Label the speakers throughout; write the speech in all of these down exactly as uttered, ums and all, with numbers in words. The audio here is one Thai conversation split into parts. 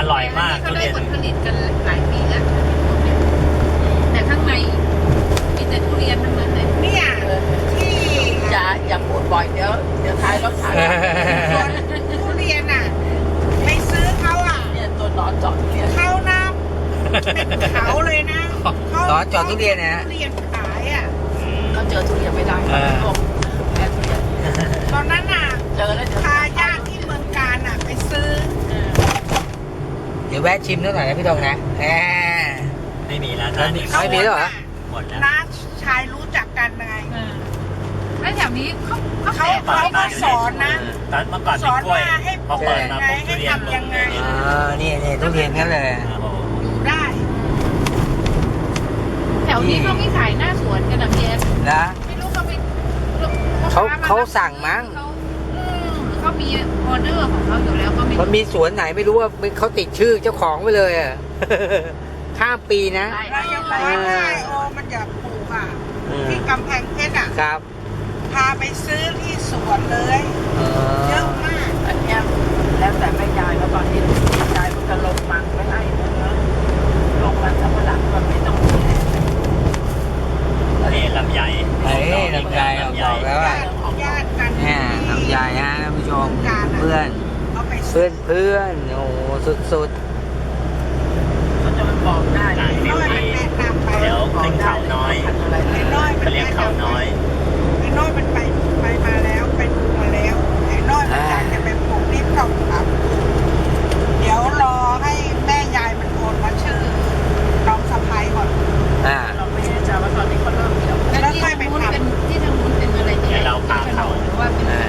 Speaker 1: ร่อยมาก
Speaker 2: เขาได้ผลผลิตกันหลายปีแล้วแต่ข้างในมีแต่ทุเรียนทั้งนั้นเลยเนี่ยที่
Speaker 3: อย่าอย่าพูดบ่อยเดี๋ยวเดี๋ยวท้ายรถท้าย
Speaker 2: คนทุเรียนอ่ะไปซื้อเขาอ่ะ
Speaker 3: เนี่ยตัวนอนจอดทุเรียน
Speaker 2: เขานะเป็นเขาเลยนะเขา
Speaker 4: ล้อจอดทุเรียนนะฮะ
Speaker 2: ทุเรียนขายอ่ะ
Speaker 3: เขาเจอทุเรียนไม่ได้
Speaker 4: เออ
Speaker 3: แพ้ทุเรียน
Speaker 2: ตอนนั้นน่ะ
Speaker 3: เจอแล้วเดี๋ยว
Speaker 2: พาญาติที่เมืองการอ่ะไปซื้อ
Speaker 4: เดี๋ยวแวะชิมนิดหน่อยนะพี่ธงนะแหม
Speaker 1: ไม่มีแล้ว
Speaker 4: ไม่มี
Speaker 1: นะ
Speaker 4: ไม่มีแล้วเหรอ
Speaker 1: หมดแล้ว
Speaker 2: น้าชายรู้จักกันไง
Speaker 5: แล้วแถวนี้เขาเขา
Speaker 2: เขา
Speaker 5: แปะ
Speaker 2: เขาก็สอนนะ
Speaker 1: ตอนเมื่อก่อน
Speaker 2: ส
Speaker 1: เป็น
Speaker 2: อน
Speaker 1: กล้วย
Speaker 2: ว่าให้
Speaker 1: พอเปิดมาปุ๊บ
Speaker 2: ให้
Speaker 1: ทุเรียน
Speaker 2: ทำยังไง
Speaker 4: อ่านี่นี่ทุเรียนกันเลย
Speaker 1: โอ้โห
Speaker 2: อยู่ได้
Speaker 5: แถวนี้เขาไม่ขายหน้าสวนกันนะพี่เอส
Speaker 4: นะ
Speaker 5: ไม่รู้เขาไป
Speaker 4: เขาเขาสั่งมั้ง
Speaker 5: เขาอืมเขามีออเดอร์ของเขาอยู่แล้วก็ไม่
Speaker 4: มันมีสวนไหนไม่รู้ว่าเขาติดชื่อเจ้าของไปเลยอ่ะ ข้ามปีนะ
Speaker 2: เรายังบอกว่าถ้าไอโอมันอยากปลูกอ่ะ
Speaker 4: อืม
Speaker 2: ที่กำแพงเพชรอ่ะ
Speaker 4: ครับ
Speaker 2: พาไปซื้อที่สวนเลย
Speaker 4: เอ
Speaker 2: เย
Speaker 4: อ
Speaker 2: อะมาก
Speaker 3: อันเนี้ยแล้วแต่แม่ยายแล้วตอนนี้ยายมันจะลงมันไม่ให้เนื้อลงมันสำปะหลังมันไม่ต้องมีแรง
Speaker 1: นี่ลำไย
Speaker 4: เฮ้ยลำไยออกดอกแล้วอ่ะ
Speaker 2: ญาติญาติกัน
Speaker 4: เนี่ยลำไยฮะท่านผู้ชมเพื่อน
Speaker 2: เอาไป
Speaker 4: เพื่อนเพื่อนโอ้โหสุด
Speaker 3: เขาจะมาบอกได้
Speaker 1: ต่าง
Speaker 2: ไอ้
Speaker 1: ฟิ
Speaker 2: น้
Speaker 1: ว
Speaker 2: อยมัน
Speaker 1: ดี
Speaker 2: แนะนำไป
Speaker 1: เดี๋ยวขึ้นเขาน้อย
Speaker 3: อะไร
Speaker 2: ไอ้น้อยมัน
Speaker 1: เขาเรียกเขาน้อย
Speaker 2: ไอ้น้อยมันไปไปมาแล้วไปดูมาแล้วไอ้น้อยมันอยากจะไปปลูกนี่ต้องครับเดี๋ยวรอให้แม่ยายมันโอนมาชื่อน้องสะพ้ายก่อน
Speaker 4: ๆอ่า
Speaker 3: เราไม่แน่ใจว่าตอนนี้เขาเริ่มเกี่ยว
Speaker 5: แล้วที่ทางนู้นเป็นที่ทางนู้นเป็นอะไรเนี่ย
Speaker 1: เดี๋ยวเราพาเขา
Speaker 5: หรือว่าเป็น
Speaker 4: อ่า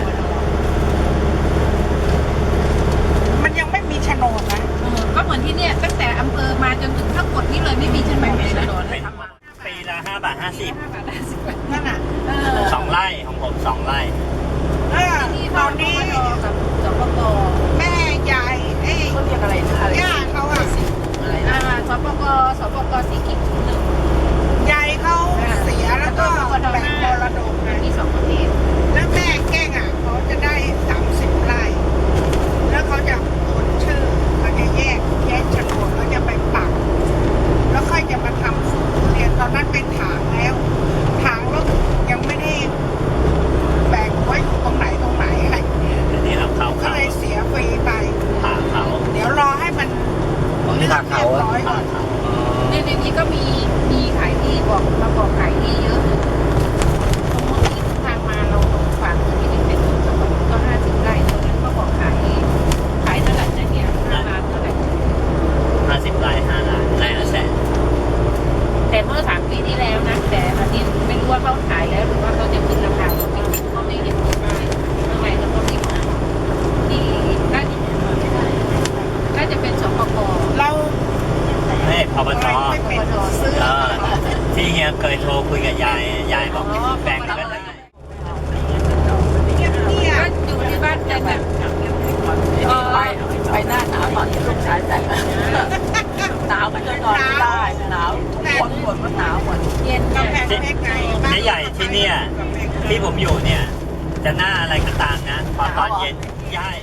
Speaker 2: มันยังไม่มีโฉนดนะ
Speaker 5: เออก็เหมือนที่เนี่ยตั้งแต่อำเภอมาจนถึงทั้งหมดนี่เลยไม่มีโฉนดเลยนะ
Speaker 1: เป็นปีละห้าบาทห้าสิบ
Speaker 2: นั่นน่ะ
Speaker 5: เออ
Speaker 1: สองไร่ของผมสองไร่
Speaker 2: เออ
Speaker 5: ที่
Speaker 2: ต
Speaker 5: ต
Speaker 2: อ
Speaker 5: อน น
Speaker 2: นี้
Speaker 5: นี้กับสปก
Speaker 2: แม่ยายไอ้
Speaker 3: เขาเรียกอะไรนะอะไร
Speaker 2: ย่าเขาอะ
Speaker 3: อะไร
Speaker 5: อ่า
Speaker 3: นะ
Speaker 5: สปกสปกสีกิจหนึ่ง
Speaker 2: ยายเขาเสียแล้วก็แบ่งมรดกไง
Speaker 5: มีสองประเภท
Speaker 2: แล้วแม่แกล้งอ่ะเขาจะได้สามสิบไร่ แล้วเขาจะโอนชื่อเขาจะแยกแยกโฉนดเขาจะไปปัก แล้วค่อยจะมาทำสวนทุเรียนตอนนั้นเป็นถางแล้ว ถางแล้วยังไม่ได้แบ่งไว้ตรงไหนตรงไหนอะไร
Speaker 1: นี่เราเข้า
Speaker 2: ก็
Speaker 1: เขา
Speaker 2: เลยเสียฟรีไป
Speaker 1: ผ่าเขา
Speaker 2: เดี๋ยวรอให้มัน
Speaker 4: ของที่ทางเขา
Speaker 2: เรียบ
Speaker 4: อะ
Speaker 2: ร้อยก่
Speaker 1: ผ่า
Speaker 2: อน
Speaker 1: เขา
Speaker 5: ในในนี้ก็มีมีขายที่บอกมาบอกขายที่เยอะเลยตรงนู้นที่ทางมาเราตรงฝั่งที่นี่เป็นสปกก็ห้าสิบไร่ตรงนั้นก็บอกขายขายเท่าไหร่นะเนี่ยห้าล้านเท่าไหร่
Speaker 1: ห้าสิบไร่ห้าล้านไร่ละแสน
Speaker 5: แต่เมื่อสามปีที่แล้วนะแต่อันนี้ไม่รู้ว่าเขาขายแล้วหรือว่าเขาจะขึ้นราคาก็ไม่รู้เขาไม่เห็นที่ป้ายข้างในเราก็มีมาที่น่าจะน่าจะเป็นสปก
Speaker 2: เรา
Speaker 1: ไม่พบต
Speaker 2: ไม่เป็นซื้อ
Speaker 1: เออที่เฮียเคยโทรคุยกับยาย ยายบอกแบ่งกันได้
Speaker 2: เงียบ
Speaker 5: ก็อยู่ที่บ้านกันแบบ
Speaker 3: ไปไปหน้าหนาวตอนที่ลูกชายแต่งหนาวก็จะนอนไม่ได้หนาวทุกคนบ่นว่าหนาวหมด
Speaker 5: เย็น
Speaker 2: ๆ
Speaker 5: เนี่ย
Speaker 2: กำแพงเพชรไง
Speaker 1: เจ๊ใหญ่ที่เนี่ย ที่ผมอยู่เนี่ย จะหน้าอะไรก็ตามนะ พอตอนเย็นย้าย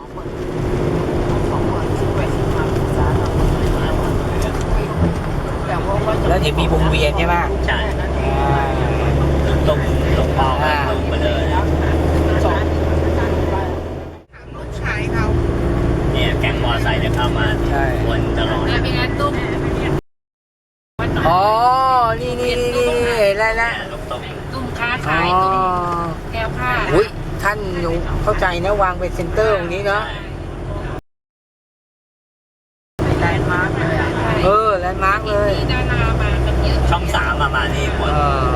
Speaker 3: ของหมดซื้อไปซื้อมาศึกษาเราแต่ว่าก็จะ
Speaker 4: แล้วเดี๋ยวมีวงเวียนใช่ไหม
Speaker 1: ใช่
Speaker 4: อ่า
Speaker 1: ตรงตรงปอมาตรงไปเลย
Speaker 3: สอง
Speaker 2: ลูกชายเขา
Speaker 1: เนี่ยแก๊งมอไซค์จะเข้ามาวนตลอด
Speaker 5: งานเป็นงานตุ้มวันหน่อย
Speaker 4: อ๋อ นี่นี่นี่นี่เห็นแล้วนะ
Speaker 1: ลูกตก
Speaker 5: ตุ้มค้า
Speaker 4: อ๋อ
Speaker 5: ขายตุ้มแก้วผ้า
Speaker 4: อุ้ยท่านหนูเข้าใจนะวางเป็นเซ็นเตอร์ตรงนี้เนาะ
Speaker 3: แลนด์มาร์กเลย
Speaker 4: เออแลนด์มาร์กเลย
Speaker 5: มีดารามากันเยอะ
Speaker 1: ช่องสามมามานี่หมด
Speaker 4: เออ